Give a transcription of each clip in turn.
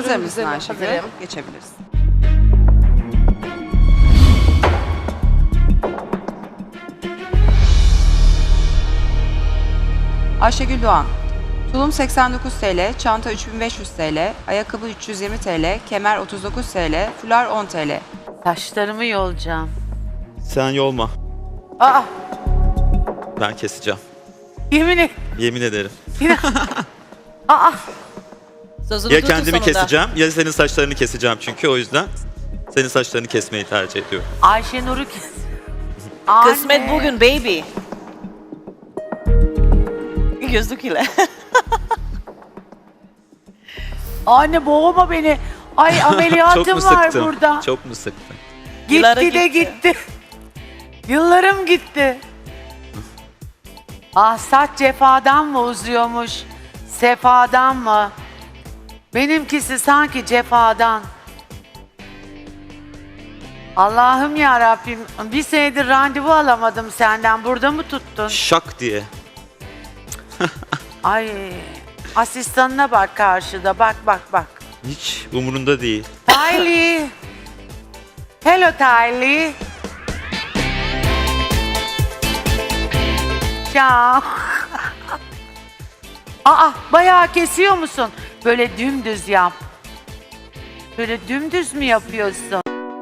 Hazır Buyurun, mısın güzelim, Ayşegül? hazırım. Geçebiliriz. Ayşegül Doğan. Tulum 89 TL, çanta 3500 TL, ayakkabı 320 TL, kemer 39 TL, fular 10 TL. Saçlarımı yolacağım. Sen yolma. Aa, Ben keseceğim. yemin et. Yemin ederim. Aa, Sözünü Ya tutun kendimi sonunda. keseceğim ya senin saçlarını keseceğim çünkü o yüzden senin saçlarını kesmeyi tercih ediyorum. Ayşenur'u kes. Kısmet Anne. bugün baby. Gözlük ile. Anne boğma beni. Ay Çok mu ameliyatım var sıktım? burada. Çok mu sıktın? Yılları Gitti de gitti. gitti. Yıllarım gitti. Ah saç cefadan mı uzuyormuş? Sefadan mı? Benimkisi sanki cefadan. Allah'ım ya Rabbim, bir senedir randevu alamadım senden. Burada mı tuttun? Şak diye. Ay, asistanına bak karşıda. Bak bak bak. Hiç umurunda değil. Tylee. Hello Tylee. Ciao. Aa, bayağı kesiyor musun? Böyle dümdüz yap. Böyle dümdüz mü yapıyorsun?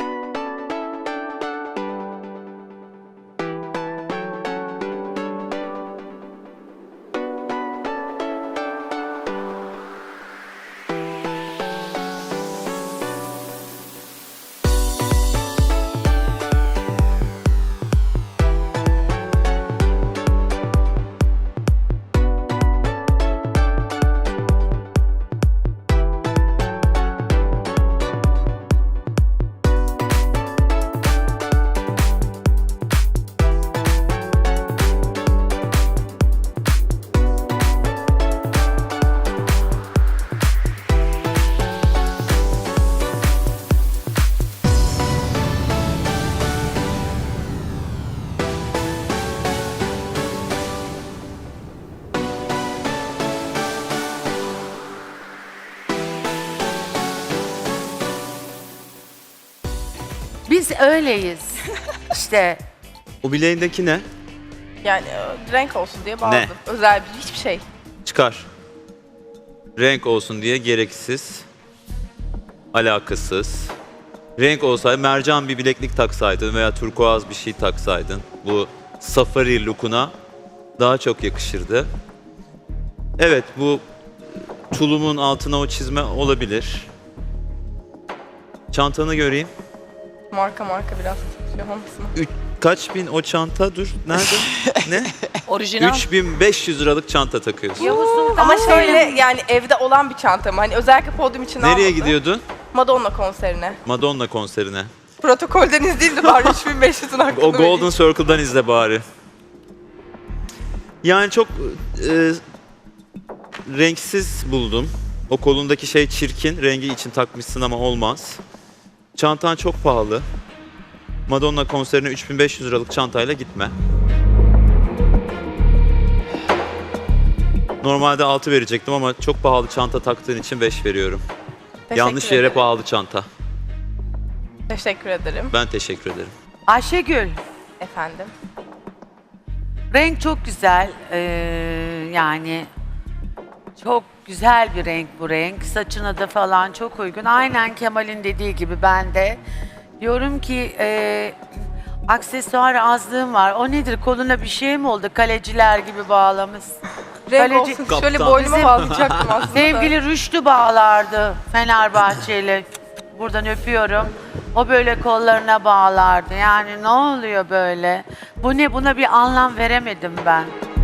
Biz öyleyiz. İşte O bileğindeki ne? Yani renk olsun diye bağladım. Özel bir hiçbir şey. Çıkar. Renk olsun diye gereksiz. Alakasız. Renk olsaydı mercan bir bileklik taksaydın veya turkuaz bir şey taksaydın. Bu safari look'una daha çok yakışırdı. Evet bu tulumun altına o çizme olabilir. Çantanı göreyim. Marka biraz tutuyor hangisini? Kaç bin o çanta? Dur nerede? Ne? Orijinal. 3500 liralık çanta takıyorsun. Yavuz Sultan Ama şöyle Selim. yani evde olan bir çantam. Hani özellikle podyum için Nereye almadım. gidiyordun? Madonna konserine. Madonna konserine. Protokolden izleyeyim de bari 3500'ün hakkını O Golden Circle'dan izle bari. Yani çok renksiz buldum. O kolundaki şey çirkin. Rengi için takmışsın ama olmaz. Çantan çok pahalı. Madonna konserine 3500 liralık çantayla gitme. Normalde 6 verecektim ama çok pahalı çanta taktığın için 5 veriyorum. Yanlış yere pahalı çanta. Teşekkür ederim. Ben teşekkür ederim. Ayşegül, Efendim. renk çok güzel. Yani çok güzel bir renk bu renk. Saçına da falan çok uygun. Aynen Kemal'in dediği gibi ben de. Diyorum ki aksesuar azlığım var. O nedir? Koluna bir şey mi oldu? Kaleciler gibi bağlamış. Renk Kaleci- olsun. Kaptan. Şöyle boynuma Bizim- bağlayacaktım aslında. Sevgili Rüştü bağlardı Fenerbahçeli. Buradan öpüyorum. O böyle kollarına bağlardı. Yani ne oluyor böyle? Bu ne? Buna bir anlam veremedim ben.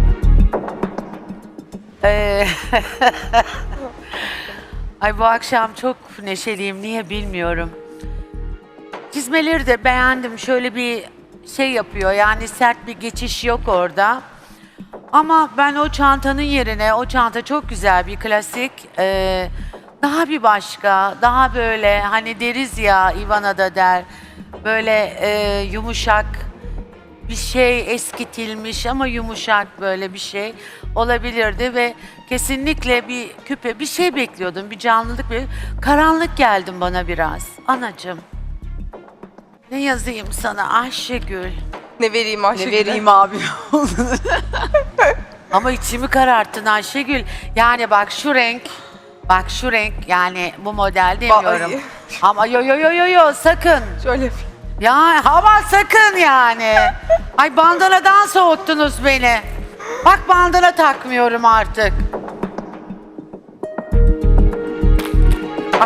Ay bu akşam çok neşeliyim. Niye bilmiyorum. Çizmeleri de beğendim. Şöyle bir şey yapıyor. Yani sert bir geçiş yok orada. Ama ben o çantanın yerine, o çanta çok güzel bir klasik. Daha bir başka, daha böyle hani deriz ya Ivana da der. Böyle yumuşak bir şey eskitilmiş ama yumuşak böyle bir şey olabilirdi ve kesinlikle bir küpe bir şey bekliyordum. Bir canlılık, bir karanlık geldin bana biraz. Anacığım. Ne yazayım sana Ayşegül? Ne vereyim Ayşegül'e? Ne vereyim abi? Ama içimi kararttın Ayşegül. Yani bak şu renk, yani bu model demiyorum. Ay. Ama yo sakın. Şöyle yapayım. Ya ama sakın yani. Ay bandanadan soğuttunuz beni. Bak bandana takmıyorum artık. Bak.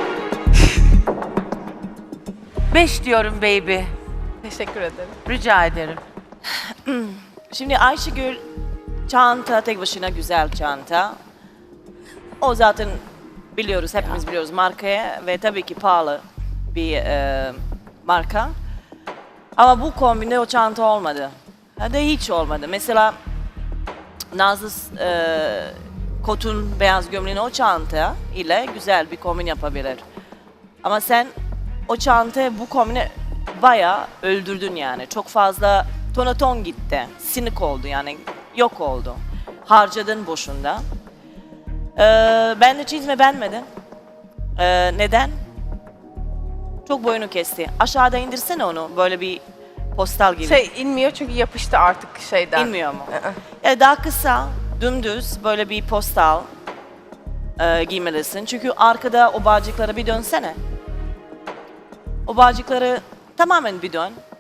5 diyorum baby. Teşekkür ederim. Rica ederim. Şimdi Ayşegül çanta tek başına güzel çanta. O zaten biliyoruz, hepimiz biliyoruz markaya ve tabii ki pahalı bir marka. Ama bu kombinde o çanta olmadı. Hadi hiç olmadı. Mesela Nazlı kotun beyaz gömleğini o çanta ile güzel bir kombin yapabilir. Ama sen o çantaya bu kombini bayağı öldürdün yani. Çok fazla tonaton gitti. Sinik oldu yani. Yok oldu. Harcadın boşunda. Ben de çizme beğenmedim. Neden? Çok boyunu kesti. Aşağıda indirsene onu böyle bir postal gibi. Şey inmiyor çünkü yapıştı artık şeyden. İnmiyor mu? Yani daha kısa, dümdüz böyle bir postal giymelisin. Çünkü arkada o bağcıklara bir dönsene. O bağcıkları tamamen bir dön.